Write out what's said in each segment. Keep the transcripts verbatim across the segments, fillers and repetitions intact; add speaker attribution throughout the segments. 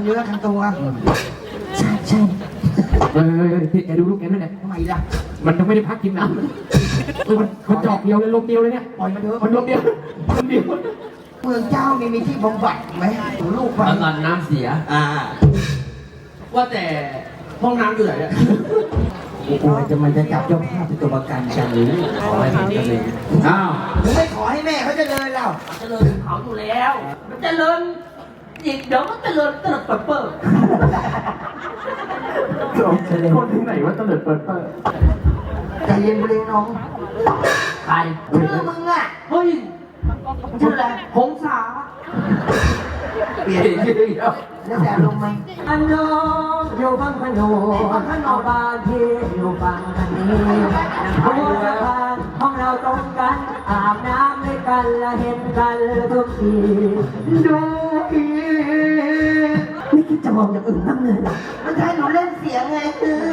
Speaker 1: นื้อทั้งตัว
Speaker 2: ใช่ใช่เออพี่แกดูลูกแกนั่นแหละ
Speaker 1: ทำไมล่ะ
Speaker 2: มันยังไม่ได้พักกินน้ำเออมันมันจอกเดียวเลยลมเดียวเลยเนี่ย
Speaker 1: ปล่อยมันเถอะ
Speaker 2: มันลมเดียวลมเดียว
Speaker 1: เมืองเจ้ามีมีที่บำบัดไหมลูกไป
Speaker 3: แล้วตอนน้ำเสีย
Speaker 1: อ่า
Speaker 3: ว่าแต่ห้องน้ำอยู่ไหนเนี่ย
Speaker 1: โอ้ยจะมันจะจับเจ้าภาพเป็นตัวประกันจังหรือ
Speaker 3: ขอให้ผมเจริญ
Speaker 2: อ้าว
Speaker 1: มึงไม่ขอให้แม่เขาเจะเลยเรา
Speaker 3: เจริญเขาอยู่แล้ว มันเจริญอีกเดี๋ยวมันเจริญเติบเปิดเปิด
Speaker 2: คนที่ไหนว่าตเลิดเปิดเปิด
Speaker 1: ใจเย็นไปเลยน้อง
Speaker 3: ใคร
Speaker 1: ชื่อมึงอ่ะ
Speaker 3: เฮ้ย
Speaker 1: ชื่ออะไร
Speaker 3: หงสา
Speaker 1: เปลี่ยนชื่ออีกแล้วแล้วแต่ลงไหม
Speaker 4: อันน้องอยู่บางขนมเอาบ้านที่อยู่ฝั่งทางนี้หัวสะพานห้องเราตรงกันอาบน้ำด้วยกันและเห็นกันทุกทีดูอีไม่คิดจะมองอย่างอื่นบ้างเลยเหรอ
Speaker 1: มันใช่หนูเล่นเสียงไง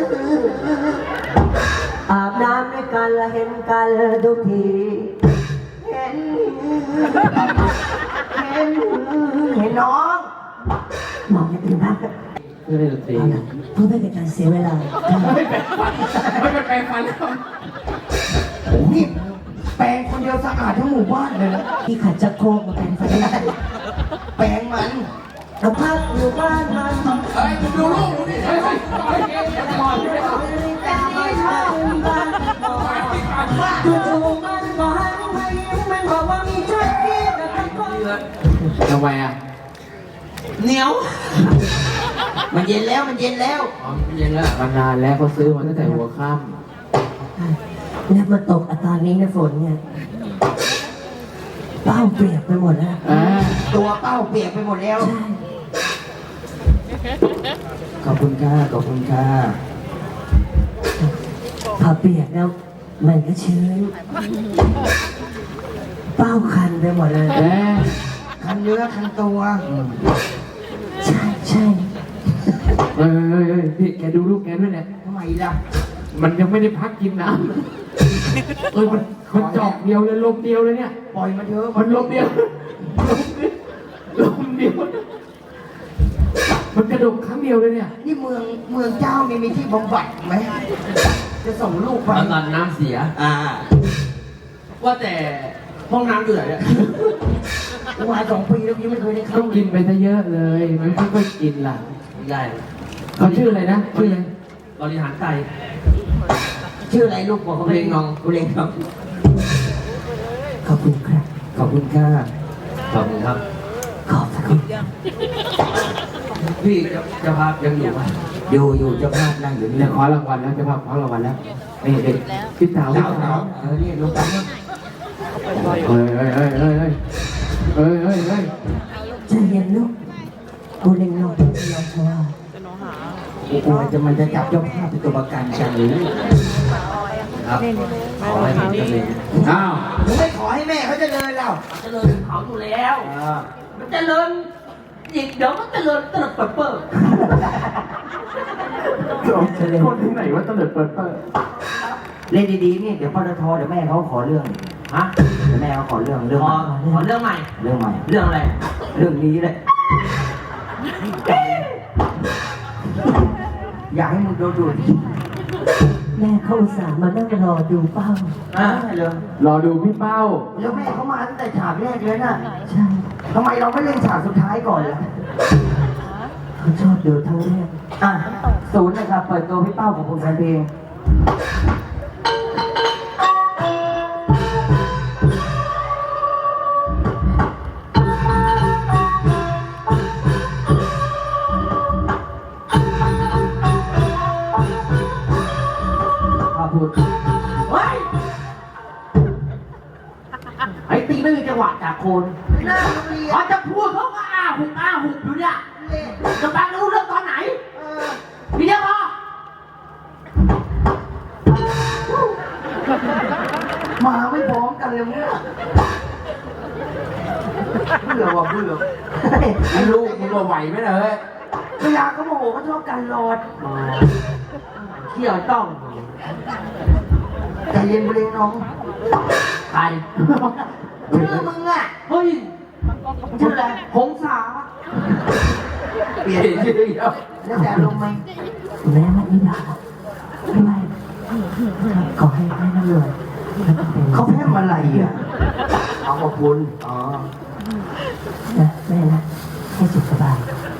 Speaker 4: อาบน้ำด้วยกันและเห็นกันทุกที
Speaker 1: เห็นเห็นเห็นน้อง
Speaker 4: มองอย่างอื่นบ้าง
Speaker 2: เรื่องดนตรี
Speaker 4: เอาล่ะเพื่อไม่เป็นการเสียเวลา
Speaker 2: ไม่เป็นฟันไม่เป็นแปลงฟันแล้ว
Speaker 1: นี่แปรงคนเดียวสะอาดทั้งหมู่บ้านเลยนะ
Speaker 4: ที่ขัดจะโครกมาเป็นไฟได้
Speaker 1: แปรงมัน
Speaker 4: เราพักอยู่บ้านมัน
Speaker 2: เฮ้ยดูลูกดูนี่เฮ้ยเฮ้ยเฮ้ยบอลไม่บอล
Speaker 4: จู่ๆมันก็หันมายิ้มมันบอกว่ามีใจที่จะทำคน
Speaker 2: ทำไมอ่ะ
Speaker 3: เหนียว
Speaker 1: มันเย็นแล้วมันเย็นแล้ว
Speaker 3: อ๋อมันเย็นแล้ว
Speaker 2: มานานแล้วเขาซื้อมาตั้งแต่หัวค่ำ
Speaker 4: แล้วมาตกอาตอนนี้นะฝนเนี่ยเป้าเปลี่ยนไปหมดแล้ว
Speaker 2: อ่า
Speaker 1: ตัวเป้าเปียกไปหมดแล้ว
Speaker 4: ใช่
Speaker 1: ขอบคุณค่ะขอบคุณค่ะ
Speaker 4: พอเปียกแล้วมันก็ชื้นเป้าคันไปหมดเลย
Speaker 2: แหม
Speaker 1: คันเนื้อคันตัว
Speaker 4: ใช่ใช่
Speaker 2: เฮ้ยเฮ้ยเฮ้ยพี่แกดูลูกแกด้วยเนี่ย
Speaker 1: ทำไมล่ะ
Speaker 2: มันยังไม่ได้พักกินน้ำเออมันมันจอกเดียวเลยลมเดียวเลยเนี่ย
Speaker 1: ปล่อยมันเถอะ
Speaker 2: มันลมเดียวลมเดียวมันกระดกครั้งเดียวเลยเนี่ย
Speaker 1: นี่เมืองเมืองเจ้ามีมีที่บำบัดไหมจะส่งลูกไป
Speaker 3: แล้วตอนน้ำเสีย
Speaker 1: อ่า
Speaker 3: ว่าแต่ห้องน้ำอยู่ไหนเนี่ย
Speaker 1: กูมาสองปีแล้วยังไม่เคยได้เข้า
Speaker 2: ต้องกินไปซะเยอะเลย มันไม่ค่อยกินล่ะ
Speaker 3: ไม่ได้
Speaker 2: เขาชื่ออะไรนะชื่ออะไร
Speaker 3: บริหารไต
Speaker 1: ชื่ออะไรลูกบอกเขาไป
Speaker 3: เรียงนอง
Speaker 1: กูเรียงน้อง
Speaker 4: ขอบคุณครับ
Speaker 1: ขอบคุณค่ะ
Speaker 3: ขอบคุณครับ
Speaker 4: ขอบคุณ
Speaker 3: พี่เจะภาพยังอยู่ไหม
Speaker 1: อยู่อยู่เจ้าภาพนั่งอยู่นี่
Speaker 2: เนี่ยขอรางวัลแล้วจะพาขอรางวัลแล้วนี่เด็กพี่สาวพี่
Speaker 1: เจ้า
Speaker 2: สา
Speaker 1: สาว วเออนี่ลูกสาว
Speaker 2: เฮ้ยเฮ้ยเฮ้ยเฮ้ยเฮ้ยเฮ้ยเฮ้ยเฮ้ย
Speaker 4: ใจเย็นลูกกูเล็งน้องเราเพราะว่า
Speaker 1: โอ้ยจะมันจะจับเจ้าภาพเป็นตัวประกันจังหรือ
Speaker 3: ครับ ขอให้ผมเจริญ
Speaker 2: อ้าว
Speaker 1: มึงไม่ขอให้แม่เขาเจะเลยเรา
Speaker 3: เจริญเขาอยู่แล้ว
Speaker 1: อ่า
Speaker 3: มันเจริญอีกเดี๋ยวมันเจริญเติบเปิดเปิด
Speaker 2: คนที่ไหนว่าตเลิดเปิดเปิด
Speaker 1: เล่นดีๆนี่เดี๋ยวปตทเดี๋ยวแม่เขาขอเรื่อง
Speaker 3: ฮะ
Speaker 1: เดี๋ยวแม่เขาขอเรื่องเรื่อง
Speaker 3: ขอขอเรื่องใหม่
Speaker 1: เรื่องใหม่
Speaker 3: เรื่องอะไร
Speaker 1: เรื่องนี้เลยอยากให้มึงโดนดูด
Speaker 4: แม่เข้าอุตส่าห์มานั่งรอดูเป้า
Speaker 1: อ่ะเลย
Speaker 2: รอดูพี่เป้า
Speaker 1: แล้วแม่เขามาตั้งแต่ฉากแรกเลยน่ะ
Speaker 4: ใช่
Speaker 1: ทำไมเราไม่เล่นฉากสุดท้ายก่อนล่ะ
Speaker 4: เขาชอบดูทั้งเรื่อง
Speaker 1: อ่ะศูนย์นะครับเปิดตัวพี่เป้าของคุณแฟนเพลงพูด
Speaker 3: เฮ้ย ไอ้ตีไม่มีจังหวะจากคน
Speaker 1: หน้าโรงเรียน
Speaker 3: พอจะพูดเขาก็อ้าหุบอ้าหุบอยู่เนี่ยจะฟังรู้เรื่องตอนไหน
Speaker 1: เออ
Speaker 3: พี่เดียวพอ
Speaker 1: มาไม่พร้อมกันเลยเนี่ยเบื่อว่ะเบื่อ
Speaker 2: ไอ้ลูกมึงก็ไหวไหมเนี่ยเฮ้ย
Speaker 1: เวลาเขาโมโหเขาชอบกันรอด
Speaker 3: เที่ยวต้อง
Speaker 1: ใจเย็นไปเลยน้อง
Speaker 3: ใคร
Speaker 1: ชื่อมึงอ่ะ
Speaker 3: เฮ้ย
Speaker 1: ชื่ออะไร
Speaker 3: หงสา
Speaker 1: เปลี่ยน
Speaker 3: ชื่อเดียว
Speaker 1: แล้วแต่ลงไหม
Speaker 4: แม่มาอีดาด้วยขอให้แม่ร่ำรวย
Speaker 1: เขาแพ้มาอะไรอ่ะ
Speaker 3: เอาขอบคุณ
Speaker 1: อ๋อ
Speaker 4: นะแม่นะให้สุขสบาย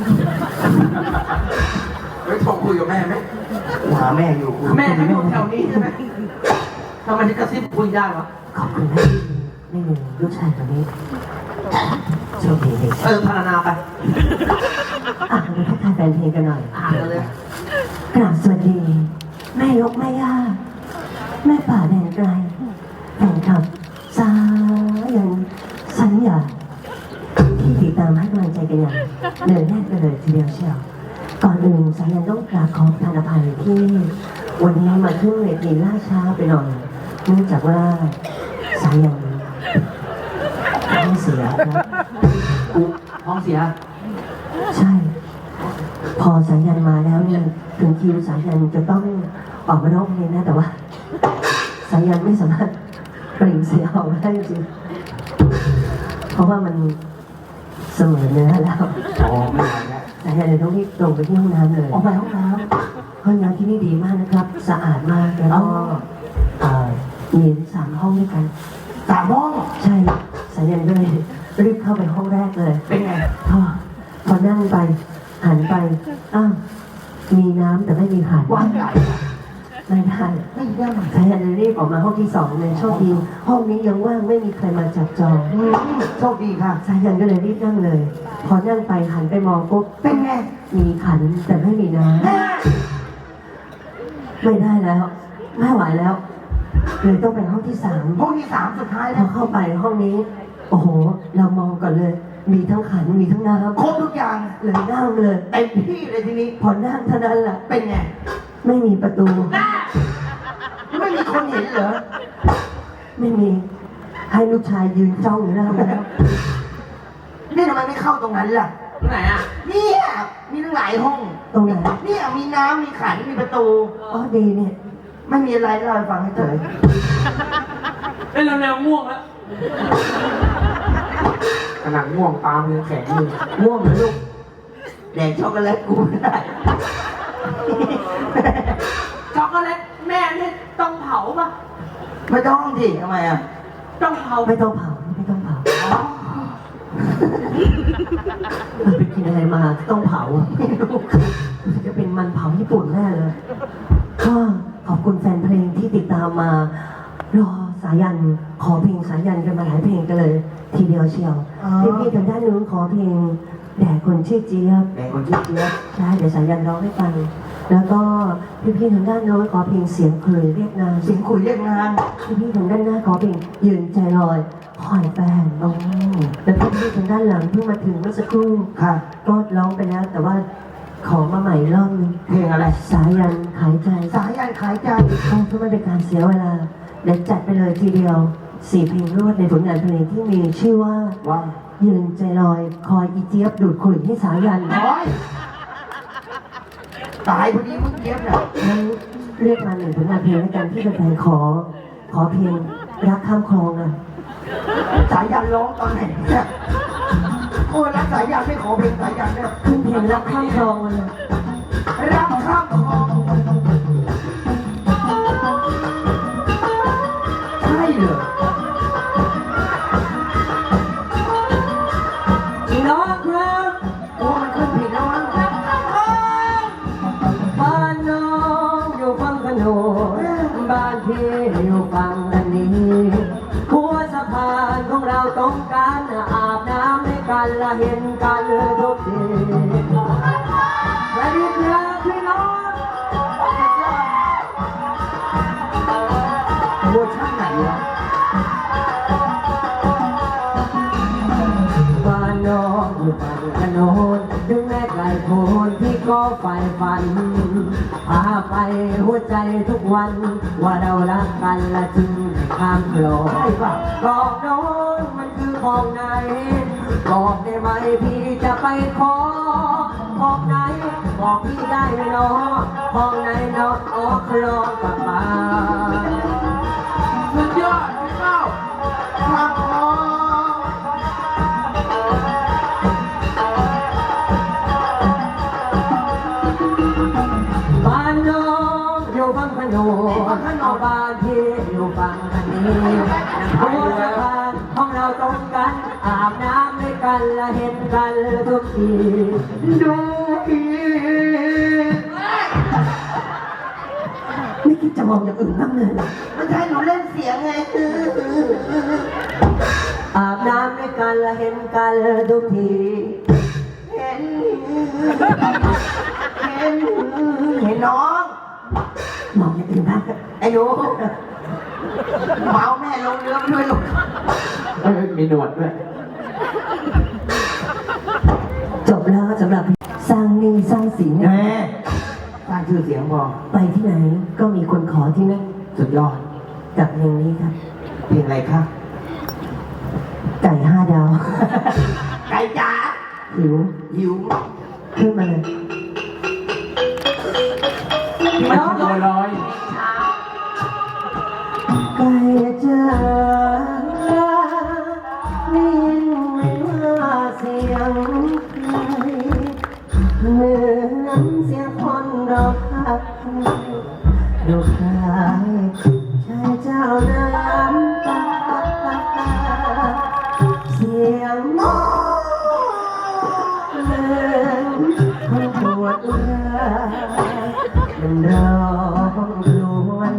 Speaker 3: ไม่โทรคุยกับแม่ไหม
Speaker 1: หาแม่อยู่กู
Speaker 3: แม่ที่อยู่แถวนี้ใช่ไหมทำไมถึงกระซิบคุยได้วะ
Speaker 4: ขอบคุณแม่ไม่มีลูกชายคนนี้โชคดีเลย
Speaker 3: เออพารนาไป
Speaker 4: อ่ะเราทักทายแฟนเพลงกันหน่อย
Speaker 3: อ่านกันเลย
Speaker 4: กราบสวัสดี แม่ยกแม่ย่าแม่ป่าแดนไกลแฟนคลับสายันสัญญาที่ติดตามให้กำลังใจกันอย่างเดินแน่นไปเลยทีเดียวเชียวก่อนอื่นสายันต้องกราบขอประทานอภัยที่วันนี้มาขึ้นเวทีล่าช้าไปหน่อยเนื่องจากว่าสายันท้องเสียครับ
Speaker 3: กูท้องเสีย
Speaker 4: ใช่ พอสายันมาแล้วเนี่ยถึงคิวสายันจะต้องออกมาร้องเพลงนะแต่ว่าสายันไม่สามารถเปล่งเสียงออกมาได้จริงเพราะว่ามันเสมอเนื้อแล้ว
Speaker 1: อ๋อไม่ไหวแล้ว
Speaker 4: สายันเลยต้องรีบตรงไปที่ห้องน้ำเลย
Speaker 1: ออกไปห้องน้
Speaker 4: ห้องน้ำที่นี่ดีมากนะครับ สะอาดมากแล้วก็เอ่อมีสามห้องด้วยกัน
Speaker 1: ำสามห้อง
Speaker 4: ใช่สายันก็เลยรีบเข้าไปห้องแรกเลย
Speaker 1: เป็นไง
Speaker 4: พอพอนั่งไปหันไปอ้าวมีน้ำแต่ไม่มีขัน
Speaker 1: ว่างใหญ่
Speaker 4: ไม่ได้
Speaker 1: ไม่ได้
Speaker 4: สายันเลยรีบออกมาห้องที่สองเลยโชคดีห้องนี้ยังว่างไม่มีใครมาจับจอง
Speaker 1: อืมโชคดีค่ะ
Speaker 4: สายันก็เลยรีบนั่งเลย พอนั่งไปหันไปมองปุ๊บ
Speaker 1: เป็นไง
Speaker 4: มีขันแต่ไม่มีน้
Speaker 1: แม่
Speaker 4: ำไม่ได้แล้วไม่ไหวแล้วเลยต้องไปห้องที่สาม
Speaker 1: ห้องที่สามสุดท้าย
Speaker 4: พ
Speaker 1: แล้
Speaker 4: อ
Speaker 1: ว
Speaker 4: เข้าไปห้องนี้ โอ้โห เรามองก่อนเลย มีทั้งขันมีทั้งน้ำ
Speaker 1: ครบทุกอย่าง
Speaker 4: เลยนั่งเลย
Speaker 1: เต็มที่เลยทีนี้
Speaker 4: พอนั่งเท่านั้นแหละ
Speaker 1: เป็นไง
Speaker 4: ไม่มีประตู
Speaker 1: ไม่มีคนเห็นเหรอ
Speaker 4: ไม่มีให้ลูกชายยืนจ้องอยู่หน้าแล้ว
Speaker 1: นี่ทำไมไม่เข้าตรงนั้นล่ะ
Speaker 3: ที่ไหนอ่ะ
Speaker 1: เนี่ยมีตั้งหลายห้อง
Speaker 4: ตรงไหน
Speaker 1: เนี่ยมีน้ำมีขันมีประตู
Speaker 4: อ๋อดีเนี่ย
Speaker 1: ไม่มีอะไรเล่าให้ฟังให้เฉย
Speaker 3: เอ้ยเราแนวง่วงแล้ว
Speaker 2: ขนาดง่วงตามยังแข็งอยู่
Speaker 1: ง่วงเหรอลูกแดกช็อกโกแลตกูไม่ได้
Speaker 3: ช็อกโกแลตแม่นี่ต้องเผาป่ะ
Speaker 1: ไม่ต้องสิทำไมอ่ะ
Speaker 3: ต้องเผา
Speaker 4: ไม่ต้องเผาไม่ต้องเผามันไปกินอะไรมาต้องเผาอ่ะไม่รู้จะเป็นมันเผาญี่ปุ่นแน่เลยก็ขอบคุณแฟนเพลงที่ติดตามมารอสายันขอเพลงสายันกันมาหลายเพลงกันเลย ทีเดียวเชียวพี่ๆทางด้านนู้นขอเพลงแด่คนชื่อเจี๊ยบ
Speaker 1: แดกคนชื่อเจี๊ยบ
Speaker 4: ใช่เดี๋ยวสายันร้องให้ฟัง แล้วก็พี่ๆทางด้านโน้นขอเพลงเสียงเคยเรียกนาม
Speaker 1: เสียงคุยเรียกงาน
Speaker 4: พี่ๆทางด้านหน้าขอเพลงยืนใจลอยคอยแฟนโอ้แล้วพี่ๆทางด้านหลังเพิ่งมาถึงเมื่อสักครู่
Speaker 1: ค่ะ
Speaker 4: ก็ร้องไปแล้ว แต่ว่าขอมาใหม่รอบนึง
Speaker 1: เพลงอะไร
Speaker 4: สายันขายใจ
Speaker 1: สายันขายใจ
Speaker 4: ต้องเพื่อไม่เป็นการเสียเวลาเดี๋ยวจัดไปเลยทีเดียวสี่เพลงรวดในผลงานเพลงที่มีชื่อว่า
Speaker 1: ว่า
Speaker 4: ยืนใจลอยคอยอีเจี๊ยบดูดขุยให้สายัน
Speaker 1: โอ้ยตายพอดีมึงเจี๊ยบน่ะ
Speaker 4: งั้นเรียกมาหนึ่งผลงานเพลงแล้วกันที่แฟนๆขอ ขอเพลงรักข้ามคลองอ่ะ
Speaker 1: สายันร้องตอนไหนเนี่ยโอ้ยแล้วสายันไม่ขอเพลงสายันเนี่ย
Speaker 4: ขึ้นเพลงรักข้ามคลองมาเลย
Speaker 1: รักข้ามคลองใช่เหรอ
Speaker 4: พี่น้องครับ
Speaker 1: โอ้มันขึ้นผิดแล้วมั้ง
Speaker 4: บ้านน้องอยู่ฝั่งขนนบ้านพี่อยู่ฝั่งอันนี้หัวสะพานของเราต้องการอาบน้ำให้กันและเห็นกันทุกทีสวัสดีครับพี่น้อง
Speaker 1: เวอร์ชันไหนวะ
Speaker 4: บ้านน้องอยู่ฝั่งถนนถึงแม้ไกลโพ้นที่ก็ใฝ่ฝันพาไปหัวใจทุกวัน ว่าเรารักกันและจึงไม่ข้ามคลอง
Speaker 1: ใช่ป่ะ
Speaker 4: บอกน้องมันคือของไหนบอกได้ไหมพี่จะไปขอของไหนบอกพี่ได้ไหมน้องของไหนน้องออกคลองกลับมา
Speaker 3: สุดยอดพี่เก้า
Speaker 1: ข้ามคลอง
Speaker 4: โนเอาบ้านที่อยู่ฝั่งกันนี้หัวสะพานของเราตรงกันอาบน้ำด้วยกันและเห็นกันทุกทีดูอี
Speaker 1: ไม่คิดจะมองอย่างอื่นบ้างเลยเหรอ
Speaker 3: ไม่ใช่หนูเล่นเสียงไงคือ
Speaker 4: อาบน้ำด้วยกันและเห็นกันทุกที
Speaker 3: เห็นเห็นเห็นน้อง
Speaker 1: มองอย่างอื่นบ้าง
Speaker 3: ไอ้หนูเมาแม่ลงเรือไปด้วยลูก
Speaker 2: เอ้ยมีหนวดด้วย
Speaker 1: จบแล้วสำหรับสร้างหนี้สร้างสิน
Speaker 3: แม่สร้างชื่อเสียงพอ
Speaker 1: ไปที่ไหนก็มีคนขอที่นั่น
Speaker 3: สุดยอด
Speaker 1: กับเพลงนี้ครับ
Speaker 3: เพลงอะไรคะ
Speaker 1: ไก่ห้าดาว
Speaker 3: ไก่จ๋า
Speaker 1: หิว
Speaker 3: หิว
Speaker 1: ขึ้นมาเลย
Speaker 2: มันบัวลอย
Speaker 1: ไก่จ้าได้ยินไหมว่าเสียงใครเหมือนเสียงคนร้องไห้ดูคล้ายชายเจ้าน้ำตาเสียงเหมือนคนปวดร้าวมันร้องครวญ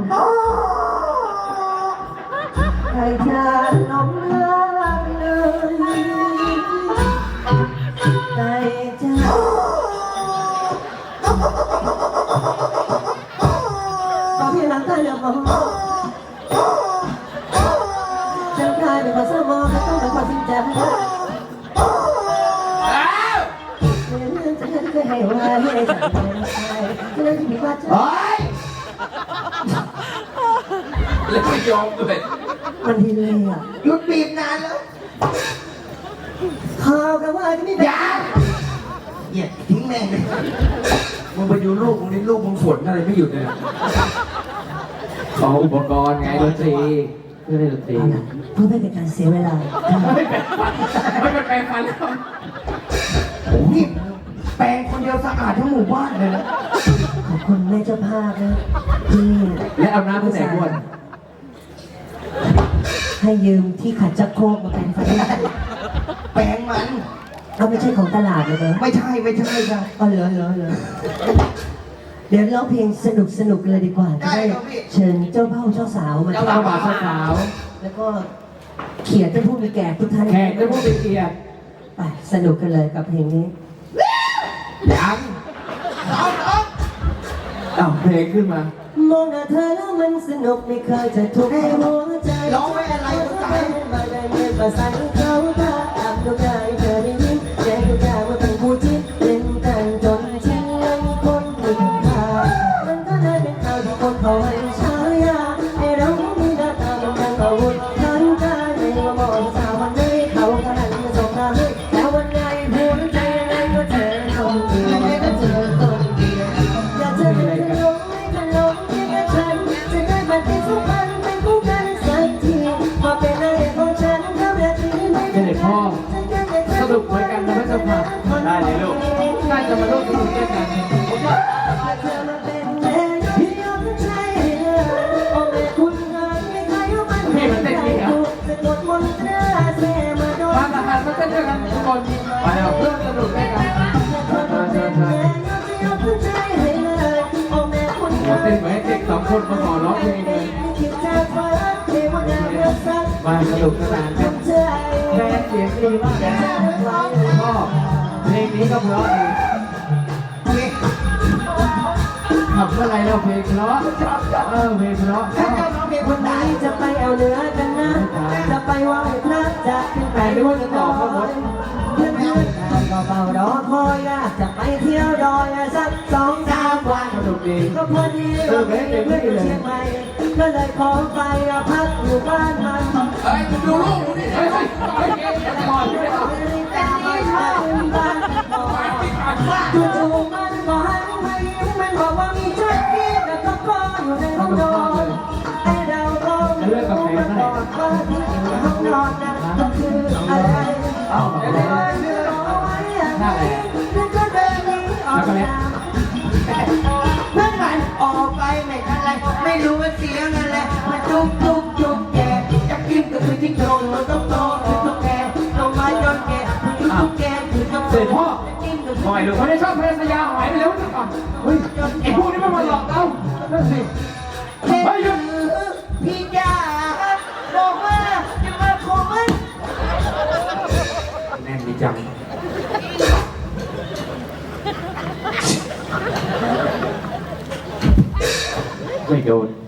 Speaker 1: ให้เธอหลงรักเลยใจเจ้าขอเพียงหลังตาอย่ามองฉันกลายเป็นคนเศร้ามองไม่ต้องเป็นคนจริงจังจะเคยให้ว่าให้ฉันเป็นใครจะได้ที่มีว่าจะ
Speaker 3: เฮ้ย
Speaker 2: แล้วไม่ยอมด้วย
Speaker 1: มันดีเลยอ่ะ
Speaker 3: หยุดบีบนานแล้ว
Speaker 1: ข่าวกันว่าจะไม่
Speaker 3: อย่าเหยียดทิ้งแม่งเลยมึงไปดูลูกมึงนี่ลูกมึงฝนอะไรไม่หยุดเลยอะ
Speaker 2: ขออุปกรณ์ไงดนตรีเพื่อเล่นดนตรี
Speaker 1: เอาล่ะเพื่อไม่เป็นการเสียเวลา
Speaker 2: ไม่เป็นฟันไม่เป็นแปลงฟันแล้ว
Speaker 3: นี่แปลงคนเดียวสะอาดทั้งหมู่บ้านเลยนะ
Speaker 1: ขอบคุณแม่เจ้าภาพนะที่
Speaker 2: และเอาน้ำไปใส่บ้วน
Speaker 1: ให้ยืมที่ขัดจักรโครกมาเป็นไฟ
Speaker 3: แปลงมัน
Speaker 1: เอาไม่ใช่ของตลาดเลยนะ
Speaker 3: ไม่ใช่ไม่ใช่ค่ะ
Speaker 1: อ๋อเหรอเหรอเหรอเดี๋ยวร้องเพลงสนุกสนุกเลยดีกว่าจะได้เชิญเจ้าเผ่าเจ้าสาวมา
Speaker 2: เจ้าบ่าวเจ้าสาว
Speaker 1: แล้วก็เขียนท่านผู้มีแก่ทุกท่าน
Speaker 2: แขกได้ผู้เป็นเกียรติ
Speaker 1: ไปสนุกกันเลยกับเพลงนี้
Speaker 2: ยังอ้าวเพลงขึ้นมา
Speaker 1: มองหน้าเธอแล้วมันสนุกไม่เคยจะทุกข์ในหัวใจ
Speaker 3: ร้องไว้อะไรก็ตาย
Speaker 1: มาได้เงินมาใส่เขาตาตามดวงใจเธอได้ยินใจทุกอย่างว่าเป็นผู้ที่เล่นกันจนทิ้งยังคนที่ขาดมันก็เลยเป็นข่าวที่คนเขาให้ฉายาให้เรามีหน้าตามันดังอาวุธทั้งกายไม่ว่ามองสาววันไหนเขาก็หันมาสบตาให้แล้ววันไหนหัวใจนั้นก็เจอคนเดียวก็เจอคนเดียวอยากเจอเป็นขนมไม่ขนมที่กระฉันจะได้มาเป็นสุพรรณเป็นคู่กันสักทีพอเป็นอะไรของฉันเขาแบบนี้ไม่
Speaker 2: เป็นเด็กพ่อสนุกเหมือนกันนะไม่จะผ่านได้เลยลูกน่าจะมาร่วมสนุกด้วยกัน
Speaker 1: เธอมาเป็นแม่ที่ยอมใจโอ้แม่คุณงานไม่เคยเอามันให้ใครดูสะกดมนตราเสมาโดน
Speaker 2: มาทหารมาเต้นด้วยกันทุกคนมาแล้วร่วมสนุกด้วยกันมาเชิญเชิญมาเต้นเหมือนเด็กสองคนมาขอร้องเพลงเลยมาสนุกสนานกันแม่เสียงดีมากนะก็เพลงนี้ก็เพราะดีขับเมื่อไรเราเพลงเพราะเออเพลงเพราะ
Speaker 3: ถ้าเจ้าน้องเพลงคนไหน
Speaker 1: จะไปเอาเนื้อกันนะ จะไปไหว้พระจะขึ้นไปด้วยกันต่อเพื่อนเพื่อนก็เฝ้ารอคอยนะจะไปเที่ยวดอยสักสองสามวัน
Speaker 2: สนุกดี
Speaker 1: ก็พอดีว่ามีเพื่อนอยู่เชียงใหม่ก็เลยขอไปพักอยู่บ้านมัน
Speaker 2: เฮ้ยดูลูกดูดิเฮ้ยเฮ้ยเฮ้ยก่อนที่จะ
Speaker 1: แต่ไม่ใช่บ้านจู่ๆมันก็หันมายิ้มมันบอกว่ามีชักกี้แล้วก็พ่ออยู่ในห้องนอนไอ้เราก็ไม่รู้มันบอกว่าที่อยู่ในห้องนอนนั้นก็คืออะไรเอาไปเลยเอาไว้อะไรแล้วก็เดินหนีออกมา
Speaker 3: เพื่อนกันออกไปไม่ทันไรจุกจุกจุกแกจะกินก็คือจิ้งจกมันต้องโตคือตุ๊กแกลงมาจนแกคือตุ๊กแกคือตุ๊กแก
Speaker 2: เสร็จพ่อ
Speaker 3: กินก็
Speaker 2: ปล่อยลูกเขาได้ชอบเพลงสยามหายไปแล้วจังก่อนเฮ้ยไอ้พวกนี้มันมาหลอกเรานั่นสิ
Speaker 3: เฮ้ยพี่จ๋าบอกว่าจะมาขอมัน
Speaker 2: แน่นดีจังไม่โดน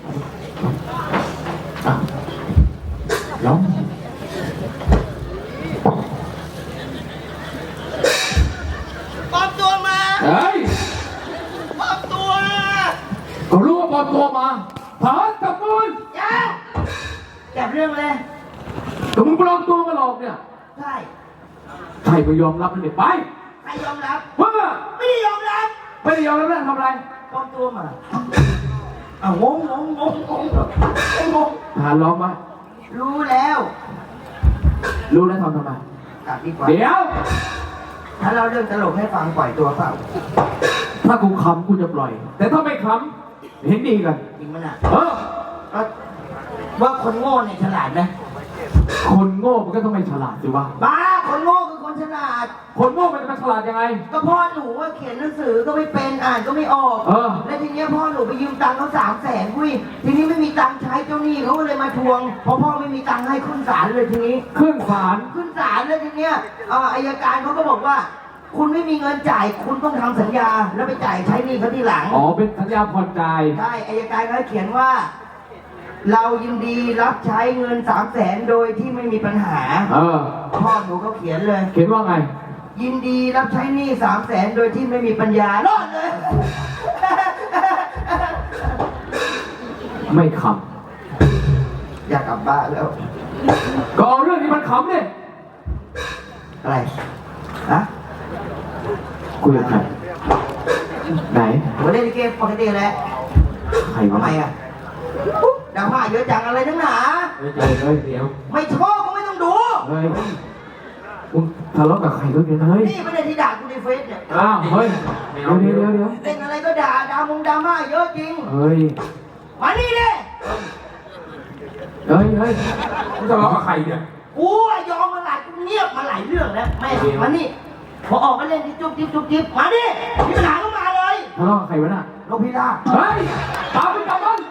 Speaker 2: อ่ะร้อง
Speaker 3: ปลอมตัวมา
Speaker 2: เฮ้ย
Speaker 3: ปลอมตัว
Speaker 2: ก็รู้ว่าปลอมตัวมาฐานจับมือ
Speaker 3: จ้าจับเรื่องเลย
Speaker 2: ก็มึงปลอมตัวมาหลอกเนี่ย
Speaker 3: ใช่
Speaker 2: ใครไม่ยอมรับมันเนี่ยไป
Speaker 3: ใครยอมรับ
Speaker 2: มึงอะ
Speaker 3: ไม่ได้ยอมรับ
Speaker 2: ไม่ได้ยอมรับแล้วทำอะไร
Speaker 3: ปลอมตัวมาอ้าวงงงงงงงงงง
Speaker 2: ฐานร้องมา
Speaker 3: รู้แล้ว
Speaker 2: รู้แล้วทำทำไม
Speaker 3: กลับดีกว่า
Speaker 2: เดี๋ยว
Speaker 3: ถ้าเราเรื่องตลกให้ฟังปล่อยตัวเปล่า
Speaker 2: ถ้ากูขำกูจะปล่อย แต่ถ้าไม่ขำเห็นดีกัน
Speaker 3: จริงมั้ยน่ะ
Speaker 2: เออ
Speaker 3: ว่าว่าคนโง่เนี่ยฉลาดไหม
Speaker 2: คนโง่มันก็ต้องไม่ฉลาดสิวะ
Speaker 3: บ้าคนโง่คือคนฉลาด
Speaker 2: คนโง่มันจะมาฉลาดยังไง
Speaker 3: ก็พ่อหนูว่าเขียนหนังสือก็ไม่เป็นอ่านก็ไม่ออก
Speaker 2: เออ
Speaker 3: แล้วทีเนี้ยพ่อหนูไปยืมตังค์เขาสามแสนกุ้ยทีนี้ไม่มีตังค์ใช้เจ้าหนี้เขาก็เลยมาทวงเพราะพ่อไม่มีตังค์ให้ขึ้นศาลเลยทีนี้
Speaker 2: ขึ้นศาล
Speaker 3: ขึ้นศาลเลยทีเนี้ยเอ่ออัยการเขาก็บอกว่า คุณไม่มีเงินจ่ายคุณต้องทำสัญญา แล้วไปจ่ายใช้หนี้เขาทีหลัง
Speaker 2: อ๋อเป็นสัญญาผ่อนจ่าย
Speaker 3: ใช่อัยการเขาเขียนว่า เรายินดีรับใช้เงินสามแสนโดยที่ไม่มีปัญหา
Speaker 2: เออ
Speaker 3: พ่อหนูเขาเขียนเลย
Speaker 2: เขียนว่าไง
Speaker 3: ยินดีรับใช้หนี้สามแสนโดยที่ไม่มีปัญญารอดเลย
Speaker 2: ไม่ข
Speaker 3: อยากกลับบ้านแล้ว
Speaker 2: ำก็เอาเรื่องนี้มันขำเนี่ย
Speaker 3: อะไร ฮะ
Speaker 2: คุยกับใครไหน
Speaker 3: ผมเล่นเกมปกติแหละ
Speaker 2: ใคร
Speaker 3: ทำ
Speaker 2: วะ
Speaker 3: ไมอ่ะอุ๊ยดราม่าเยอะจังอะไรทั้งหนา
Speaker 2: เฮ้ยเฮ้ยเฮ้ยเดี๋ยว
Speaker 3: ไม่ชอบก็ไม่ต้องดู
Speaker 2: เฮ้ยมึงทะเลาะกับใครด้วยเนี่ยเฮ้ย
Speaker 3: นี่ไม่ได้ที่ด่ากูในเฟซเนี่ย
Speaker 2: อ้าวเฮ้ยเดี๋ยวเดี๋ยวเดี๋ยวเดี๋ยว
Speaker 3: เล่นอะไรก็ด่าด่ามงดราม่าเยอะจริง
Speaker 2: เฮ้ย
Speaker 3: มานี่ดิ
Speaker 2: เฮ้ยเฮ้ยมึงทะเลาะกับใครเนี่ย
Speaker 3: กูอะยอมมาหลายกูเงียบมาหลายเรื่องแล้วแม่มานี่พอออกมาเล่นที่จุ๊บจิ๊บจุ๊บจิ๊บมาดิมีปัญหาก็มาเลย
Speaker 2: ทะเลาะกับใครวะน่ะ
Speaker 3: นกพิราบ
Speaker 2: เฮ้ยตามไปกลับบ้าน